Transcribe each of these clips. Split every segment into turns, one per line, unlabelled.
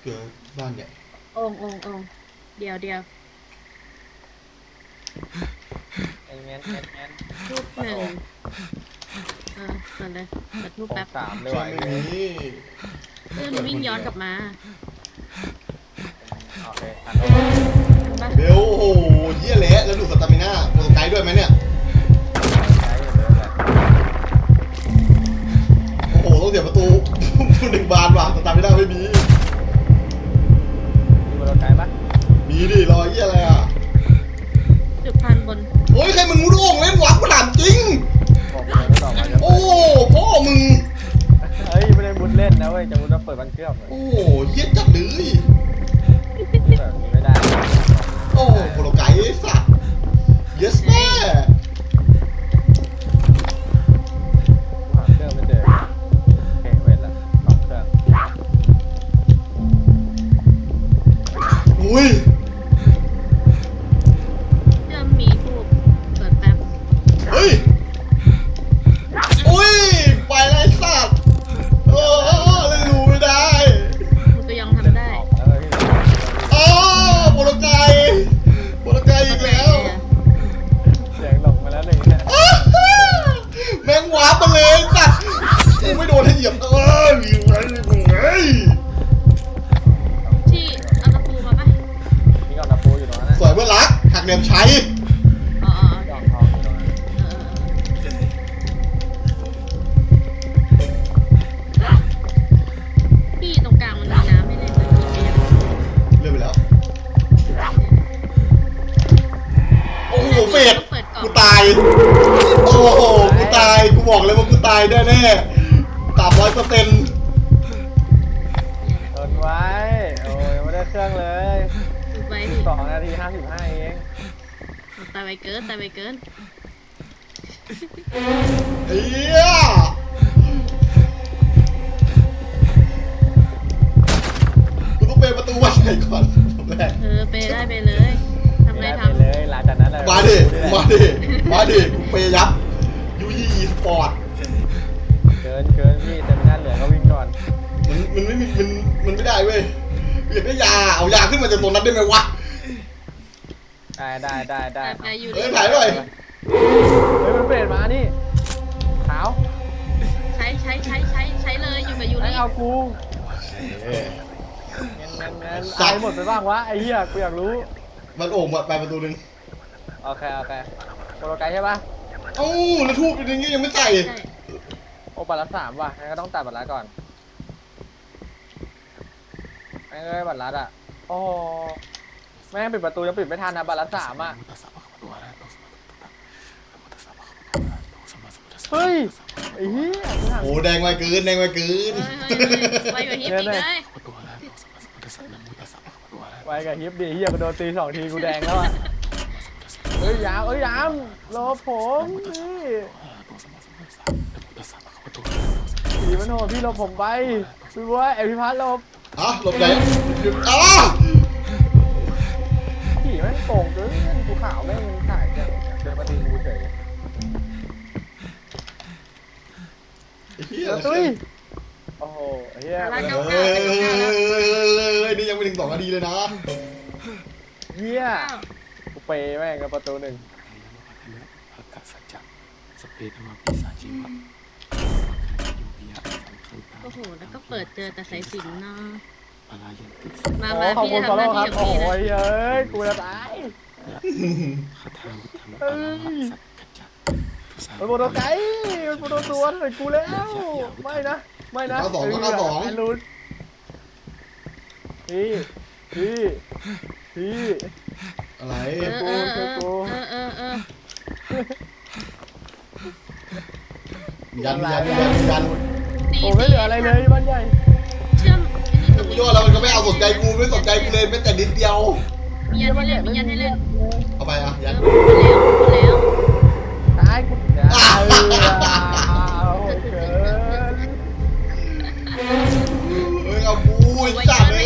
เกิดบ้านใหญ่
โอ่งเดี๋ยว
งั้น
ทูบหนึ่งเปิดเลยเปิดทูบ
ของ
แป๊บ
สามเลย
ใช่
ว่ะ
ไม่มี
เพื่อนวิ่งย้อนกลับมา
โอเคทันแล้ว
เห็นปะ
เบลโอ้โหเยี่ยเละแล้วดูสตามิน่าโปรไกด์ด้วยไหมเนี่ย
ใช้อยู่เลยแหละ
โอ้โหต้องเสียประตูหนึ่งบานว่ะสตามิน่าไม่มี
มีบอลไกลปะ
มีดิรอเยี่ยอะไรอ่ะ
จุดพันบน
โอ้ยใครมันมุดโอ่งเล่นวะกูถามจริง
บอกเลยไม่บอกมาจะ
โอ้พ่อมึง
เฮ้ยไม่ได้มุดเล่นนะเว้ยจะมุดมาเปิดบันเครื่องเลย
โอ้เยี่ยจัดเลย
แบบนี้ไม่ได้
โอ้โปรไกด์ไอ้สัตว์ yes แม่
หาเครื่องไม่เจอโอเคเว้นละสองเครื่อง
อุ้ย
เริ่มมีทูบเปิดแป๊บ
เฮ้ยอุ้ยไปเลยไอ้สัตว์โอ้เล่นรู้ไม่ได้
มันก็ยังทำได้
ออกแล้วพี่
โอ้โปรไกด์อีกแล้ว
เสียงหลงมาแล้วหนึ่งเนี่ย
แม่งวาร์ปมาเลยสัตว์กูไม่โดนให้เหยียบอยู่ไว้เฮ้ย
ที่เอาตะปูมาปะ
มีกล่องตะปูอยู่ตรงนั้นนะ
สวยเพื่อนรักหักเหลี่ยมใช้
อ๋อ
กล่องทองอยู่ตรงนั้น
พี่ตรงกลางมันมีน้ำให้เล่นเลยพี่
เลื่อนไปแล้วโอ้โหเฟดกูตายโอ้โหกูตายกูบอกเลยว่ากูตายแน่ๆ300%
ทนไว้โอ้ยยังไม่ได้เครื่องเลย
ดูไปดิ
2 นาที 55เอง
ตายไปเกิน
เฮียกูต้องเปิดประตูวันไหนก่อนแรก
ไปเลยทำ
ไม่
ไร
ได้
ทำ
ไปเลยหลังจากนั้นเลย
มาดิกูเปย์ยับยูยี่สปอร์ต
เกินพี่แต่ไม่น่าเหลือก็วิ่งก่อน
มันไม่มีมันไม่ได้เว้ยอยากได้ยาเอายาขึ้นมาจากตรงนั้นได้ไหมวะ
ได้
ไปอยู่
เอ้ยถ่ายหน่อย
เฮ้ยมันเปลี่ยนมานี่ขาว
ใช้เลยอยู่กับยู
ไอ้
ริ
เอากู
เอ้ย
งั้นไอ้หมดไปบ้างวะไอ้เหี้ยกูอยากรู้
มันโอ่งไปประตูนึง
โอเคโปรไกด์ใช่ปะ
เอ้าแล้วทูบเป็นอย่างงี้ยังไม่ใส่
ใช่
โอ้บัตรละ3ว่ะงั้นก็ต้องตัดบัตรละก่อนไอ้เอ้ยบัตรละอ่ะโอ้แม่งปิดประตูยังปิดไม่ทันนะบัตรละ3อ่ะเฮ้ยไอ้เหี้ย
โอ้แดงไวเกิน
ไปกับฮิปอีกเลย
ไว้กับฮิปดิเหี้ยกูโดนตี2 ทีกูแดงแล้วอ่ะเอ้ยยามรอผมนี่ผีมันโหดพี่หลบผมไปพี่บัวไอพี่พัดหลบ
อ่ะหลบไหนอ่ะ
ผีแม่งโกงเกินกูขาวแม่งถ่ายจะเดินมาตีกูเฉย
ไอ้เหี้ย
ตุ้ยโอ้โหเฮีย
เฮ้ยนี่ยังไม่ถึง2 นาทีเลยนะ
เฮียกูเปย์แม่งกับประตู1
โอ้โหแล้วก็เปิดเจอแต่สายสิญจน์เนาะมา
โอ้ขอบ
พี่
คุณ
จะ
ฟอล
ทำห
โล่
น้า
ครั
ที่
บ
ของ
โอ้
พี่
โห
นะ
เฮ้ยกูจะตายเฮ้ยโปรโตไกด์มันโปรโตตัวใส่กูแล้วไม่นะแอนรูนพี่
อะไร ยัน
โอ้ไม่เหลืออะไรเลยบ้านใหญ่
เชื่อม
กูโยนแล้วมันก็ไม่เอาสนใจกูไม่สนใจกูเลยแม้แต่นิดเดียว
มียันให้เล่น
เอาไปอ่ะยัน
หมดแล้ว
ตายกูเกิน
เฮ้ยเอากูไอ้สัตว์เลย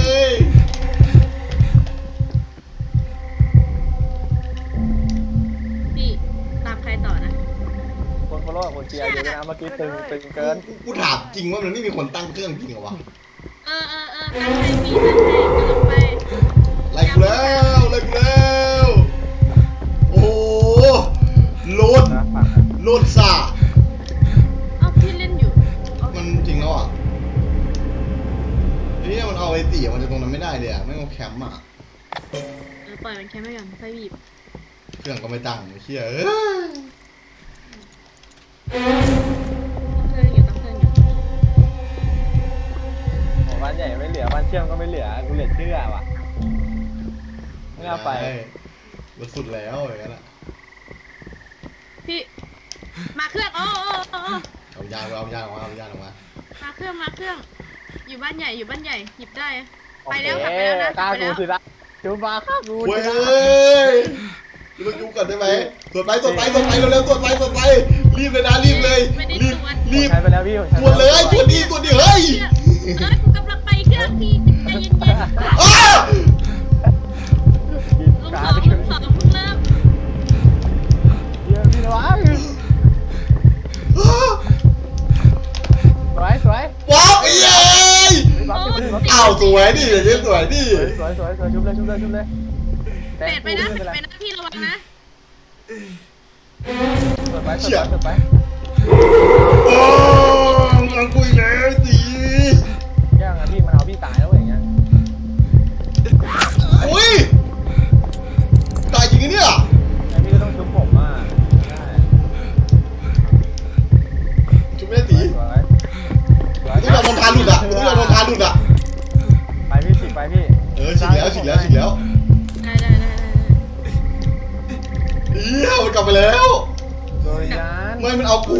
พี่ตามใครต่อนะ
คนฟอลโล่กับคนเชียร์อยู่นะเมื่อกี้ตึงเกิน
กูถามจริงว่ามันไม่มีคนตั้งเครื่องจริงเหรอวะ
นั่นให้พี่นั่นให้กำลังไป
ไล่กูแล้วไล่กูแล้วโอ้โหโลด
นะฝากนะ
โลดซ่า
เอ้าพี่เล่นอยู่เอา
มันจริงแล้วอ่ะเนี่ยมันเอาไอ้ตีมันจะตรงนั้นไม่ได้เลยอ่ะไม่เอาแคมป์อ่ะ
ปล่อยมันแค่ไม่ก่อนค่อยบีบ
เครื่องก็ไม่ตั้งไอ้เชี่ยเอ้ย
ต้องเครื่องอยู่ต้องเครื่องอยู่
โอ้บ้านใหญ่ไม่เหลือบ้านเชื่อมก็ไม่เหลือกูเหลือเชื่อว่ะไม่เอาไป
รถสุดแล้วอย่างนั้นอ่ะ
พี่มาเครื่องโอ้
เอายางออกมา
มาเครื่องอยู่บ้านใหญ่อยู่บ้านใหญ่หยิบได้
โอ
ไป
เค
แล้วกลับไปแล้วนะ
กล้าก
ลับไป
กู
แล้ว
สิละจูบาข้ากู
เว้
สิ
ย
ละ
กูต้องยุ่งก่อนได้ไหมตรวจไปเร็วๆตรวจไปรีบเลยนะรีบเลยรีบ
ใช้ไปแล้วพี่
ตรวจเลยตรวจดีเฮ้ย
กูกำลังไปเครื่องพี่ใจเย็น
อ้า
ๆลุงสองเพิ่งเริ่ม
เยอะพี่ระวังสวย
ว้าวไอ้ยัย
อ้า
อ้าวสวยดิอย่างนี้สวยดิ
สวยชุบเลย
เป็ดไปนะพี่ระวังนะ
เปิดไป
โอ้งังกุยแล้วตี
ย่างอ่ะพี่มันเอาพี่ตายแล้วอย่างเงี้ย
อุ้ยตายจริงเนี่ย
ไอ้พี่ก็ต้องชุบผมอ่ะได้
จุ๊บไม่ได้ตี
สวย
ที่เราโดนทานหลุดอ่ะ
ไปพี่ฉีกไปพี่
ฉีกแล้ว
ได้
เอี้ยมันกลับไปแล้ว
โดยยาน
ไม่มันเอากู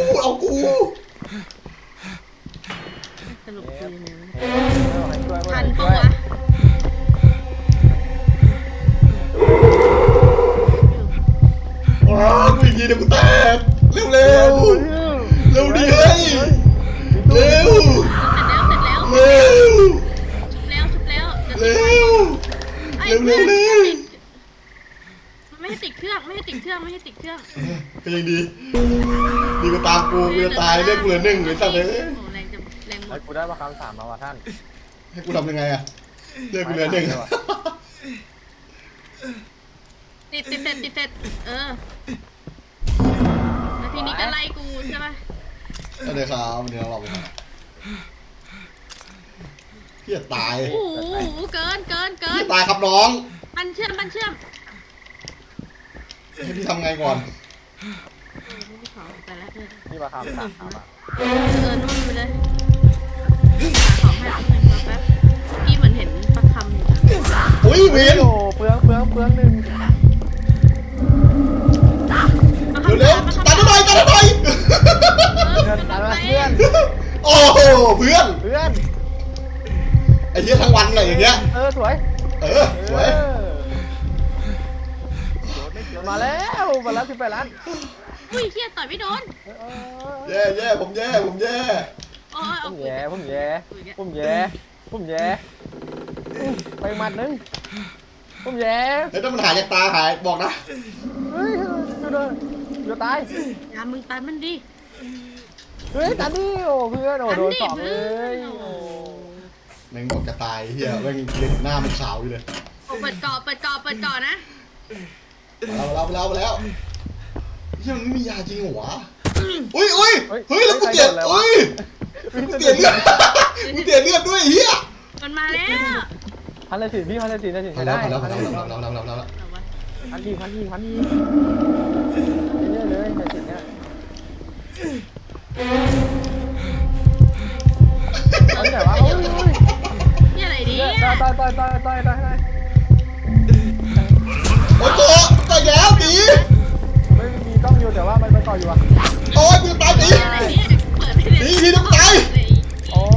สรุปคือ
ทั
ทั
น
น
ปะ
ปะ
วะ
วะ
ว้าวกูอีกทีเดี๋ยวกูแตกเร็วเร็วดิเฮ้ยเร็ว
เสร็จแล้วชุบแล้วเร็วไม่ให้ติดเครื่อง
ก็ยังดีก็ตามกูจะตายเรียกกูเหลือหนึ่งหรือสักเลย
โอ้แรงหม
ไอ้
ด
กูได้มาคำ3มาว่ะท่าน
ให้กูทำยังไงอะเรียกกูเหลือหนึ่ง
ติดเสร็จแล้วทีนี้ก็ไล่กูใช่ปะ
ก็เลยครับเดี๋ยวเราไปพี่จะตาย
โอ้โหเกิน
พี่จะตายครับน้อง
มันเชื่อม
ให้พี่ทำไงก่อน
ไม่ขอไปแล้วเพื่อน
นี่มาคำ3มา
นู่นไปเลยหาของให้แป๊บพี่เหมือนเห็นประคำอยู่นะ
อุ้ยเวียน
โอ้เปลืองหนึ่ง
เร็วๆตัดหน่อย
เพื่อนตายมาเพื่อน
โอ้โหเพื่อนไอ้เหี้ยทั้งวันเลยอย่างเงี้ย
สวย
สวย
มาแล้ว18 ล้าน
อุ้ยเฮียต่อยไม่โดน
แย่ผมแย่
โอ้ย
ผมแย่ไปหมัดนึงผมแย่
เฮ้ยถ้ามันหายจากตาหายบอกนะ
เฮ้ยจะตาย
ยามึงตันมันดิ
เฮ้ยตาดิโอ้เพื่อนโอ้โดนสองเลยโอ้
แม่งบอกจะตายเฮียแม่งเล่นหน้ามันขาวอยู่เลย
เปิดก่อนะ
มาแล้วเฮียมันไม่มียาจริงเหรอวะอุ้ยเฮ้ยแล้วกูเปลี่ยนเลือดด้วยเฮีย
มันมาแล้ว
พันเลยสิพี่พันเลยสิ
พอ
ใช้
แล้
ได้
ว
พันดีเยอะเลยในสิเนี่ยเอาแต่ว่าโอ้ย
นี่อะไรดิ
ต่อย
โอ้โหตายแล้วดี
ไม่มีต้องอยู่แต่ว่ามันไปต่ออยู่อ่ะ
โอ้ยกูตายดี
อะไรดิเปิดไม่ได้
ดีต้องตาย
โอ้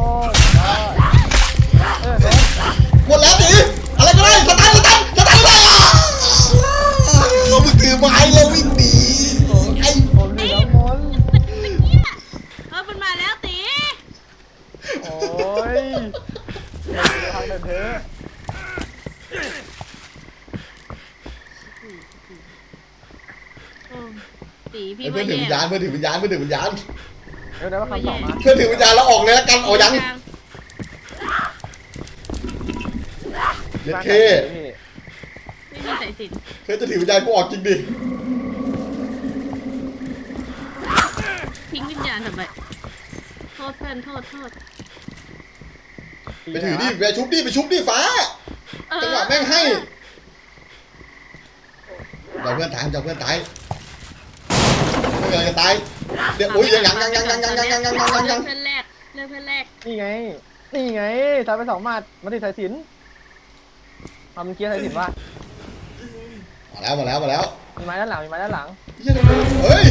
โดน
หมดแล้วดีอะไรก็ได้สตาร์ทเลยเราไปถือไม้แล้ววิ่งหนีไอ้
ผมเหลือมน
มันมาแล้วตี
โอ้ยทางเดินเถอะ
ตีพี่
เพื่อนถือวิญญาณเพื่อนถือวิญญาณ
เดี๋ยวได้ว่าคำสองมา
เพื่อนถือวิญญาณแล้วออกเลยแล้วกันออกยังเย็ด
บ้าน
เค
ไหนพี่
ไม่มีสายสิญจน์
เคจะถือวิญญาณกูออกจริงดิ
ทิ้งวิญญาณทำไมโทษเพื่อนโทษ
ไปถือดิไปชุบดิไปชุบดิฟ้าจังหวะแม่งให้เดี๋ยวเพื่อนตายเดี๋ยวเพื่อนตายไม่เกินจะตายเดี๋ยวโอ้ยยัง
เลือกเพื่อนแรกเลือกเพื่อนแรก
นี่ไงสายไป2 หมัดมาติดสายสิญจน์ทำเกียร์สายสิญจน์ว่า
มาแล้ว
มีไม้ด้านหลัง
เฮ้ย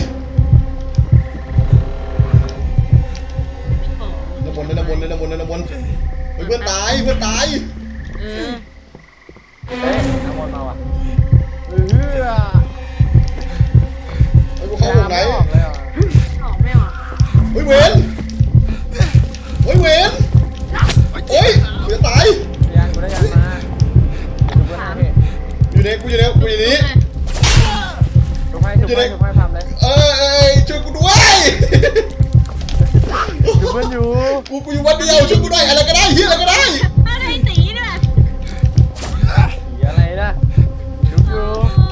โอ้
น้ำมนต์เฮ้ยเพื่อนตาย
เออ
เฮ้ยน้ำมนต์มาว่ะเออ
ไอ้กูเข้าวงไหน
ออกเลยอ่ะ
ออกไม่ออก
เฮ้ยเวนโอ้ยกูจะตาย
กูได้ยันมาดูเพื่อนให้พี่
อยู่ในนี้
ทุกให้ทำเลย
ช่วยกูด้วย
ดูเพื่อนอยู่
กูอยู่วันเดียวช่วยกูด้วยอะไรก็ได้เฮียอะไรก็ได้
อะไรตีด้วย
สีอะไรนะดูอยู่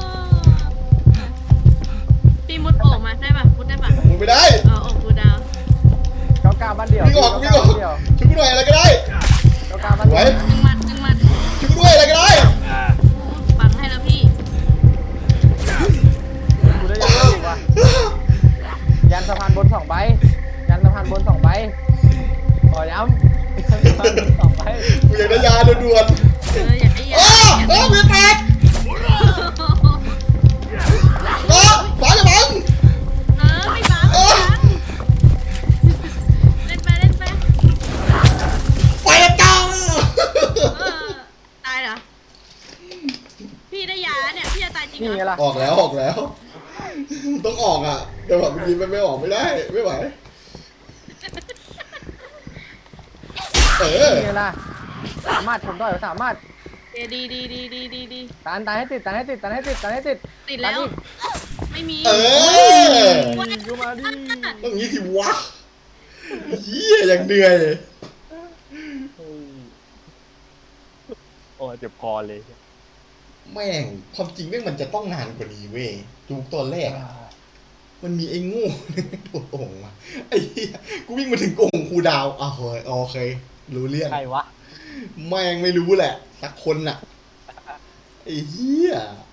ปีมุดโอ่งมาได้ป่ะมุดได้ป่ะ
มึงไม่ได้
โอ่งกูดาว
ก้าวบ้านเดียว
วิ่งออกช่วยกูด้วยอะไรก็ได้
ก้าวบ้านเดียว
หนึ่งหมัด
ช่วยกูด้วยอะไรก็ได้
ปังให้แล้วพี่
กูได้ยันอยู่ว่ะยันสะพานบน2 ใบขอย้ำยันสะพานบน2 ใบ
กูอยากได้ยาด่วน
อยากได้ยา
ๆมีแตกฟ้าจะบัง
ไม่ปังเล่นไป
ไฟจัง
ตายเหรอพี่ได้ยาเนี่ยพี่จะตายจริง
นี่
เห
ไง
รอ
ล่ะ
ออกแล้วต้องออกอ่ะแต่แบบยิงไม่ออกไม่ได้ไม่ไหว
นี่ไงล่ะสามารถผมได้สามารถ
ดี
ตานให้ติด
ติดแล้ว ไม่มี
ยูมาดิ
ต้องงี้สิวะเฮียอย่างเหนื่อย
โอ้เจ็บคอเลย
แม่งความจริงแม่งมันจะต้องนานกว่านี้เว้ยดูตอนแรกอะมันมีไอ้โง่โดดโอ่งมาไอ้เหี้ยกูวิ่งมาถึงโอ่งครูดาวอ่ะเฮ้ยโอเครู้เรื่อง
ใครวะ
แม่งไม่รู้แหละสักคนน่ะไอ้เหี้ย